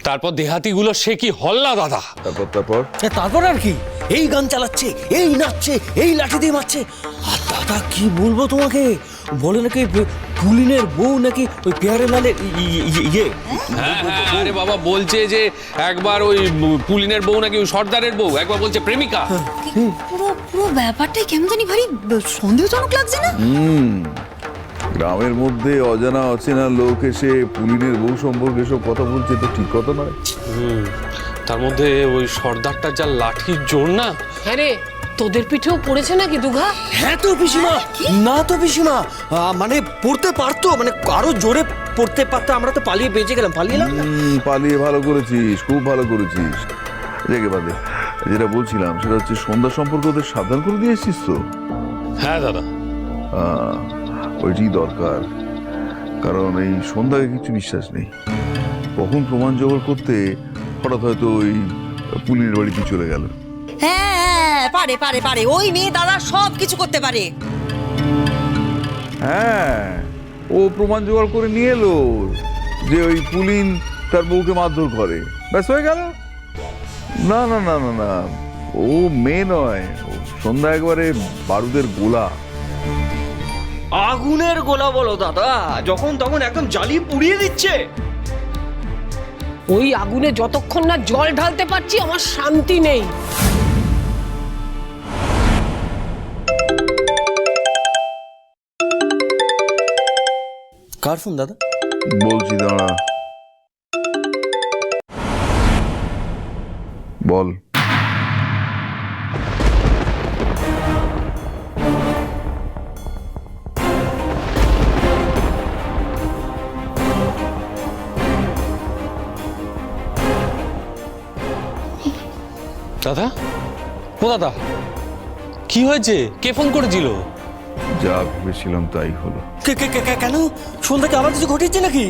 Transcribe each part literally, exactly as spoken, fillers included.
তারপর দেহাতিগুলো সে কি হল্লা দাদা। তারপর তারপর তারপর আর কি, এই গান চালাচ্ছে, এই নাচছে, এই লাঠি দিয়ে মারছে। আর দাদা কি বলবো তোমাকে, বলে নাকি পুলিনের বউ নাকি ওই পেয়ারে লালের ইয়ে। হ্যাঁ হ্যাঁ, আরে বাবা বলছে যে একবার ওই পুলিনের বউ নাকি ওই সর্দারের বউ, একবার বলছে প্রেমিকা। পুরো পুরো ব্যাপারটাই কেমন জানি ভারী সন্দেহজনক লাগছে না? হুম গ্রামের মধ্যে অজানা অচেনা লোক এসে পুলিনের বউ সম্পর্কে সব কথা বলছে, তো ঠিক কথা নয়। হুম তার মধ্যে ওই সর্দারটার যা লাঠির জোর না। হ্যাঁ রে, তোদের পিঠেও পড়েছে নাকি দুঘা? হ্যাঁ তো পিসিমা, না তো পিসিমা, আহ, মানে পড়তে পারতো, মানে আরো জোরে পড়তে পারতো, আমরা তো পালিয়ে বেঁচে গেলাম, পালিয়ে এলাম না। হুম, পালিয়ে ভালো করেছিস, খুব ভালো করেছিস। রেগে বাদে যেটা বলছিলাম সেটা হচ্ছে সন্ধ্যা সম্পর্কে ওদের সাবধান করে দিয়ে এসছিস তো? হ্যাঁ দাদা। হ্যাঁ ওইটি দরকার, কারণ এই সন্ধ্যাকে কিছু বিশ্বাস নেই। কখন প্রমাণ জোগাড় করতে হঠাৎ হয়তো ওই পুলিনের বাড়িতে চলে গেল। হ্যাঁ পারে পারে পারে, ওই মেয়ে দাদা সব কিছু করতে পারে। হ্যাঁ ও প্রমাণ জোগাড় করে নিয়ে এলো যে ওই পুলিন তার বউকে মারধর করে, ব্যাস হয়ে গেল। না না না না না, ও মেয়ে নয়, ও সন্ধ্যা একবারে বারুদের গোলা। আগুনের গোলা বলো দাদা, যখন তখন একদম জ্বালিয়ে পুড়িয়ে দিচ্ছে। ওই আগুনে যতক্ষণ না জল ঢালতে পারছি আমার শান্তি নেই। কার ফোন দাদা? বলছি দাঁড়া, বল। দাদা, ও দাদা কি হয়েছে? কে ফোন করেছিল? যা ভেবেছিলাম তাই হলো। কে কে কে কে- কেন সন্ধ্যাকে আবার কিছু ঘটেছে নাকি?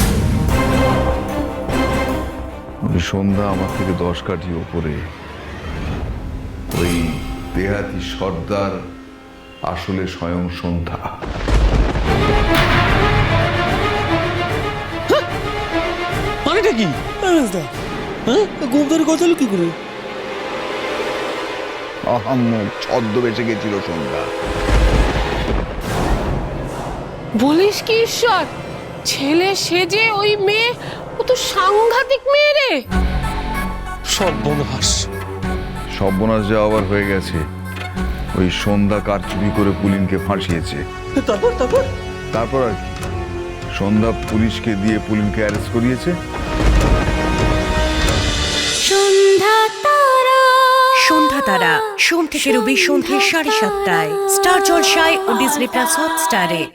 ওই সন্ধ্যা আমার থেকে দশ কাঠি ওপরে, ওই দেহাতি সর্দার আসলে স্বয়ং সন্ধ্যা। মানেটা কি? হ্যাঁ ঘুম ধরে কথা হলো কি করে? আহাম্মক ছদ্মবেশে গেছিল সন্ধ্যা। বলিস কি ঈশ্বর, ছেলে সেজে ওই মেয়ে, ও তো সাংঘাতিক মেয়ে রে। সর্বনাশ। সর্বনাশ যা আবার হয়ে গেছে, ওই সন্ধ্যা কারচুপি করে পুলিনকে ফাঁসিয়েছে। তারপর তারপর তারপর আর কি, সন্ধ্যা পুলিশকে দিয়ে পুলিনকে অ্যারেস্ট করিয়েছে। সন্ধ্যা তারা সন্ধ্যা তারা সোম থেকে রবি সন্ধ্যে সাড়ে সাতটায় স্টার জলসায় ও ডিজনি প্লাস হটস্টারে।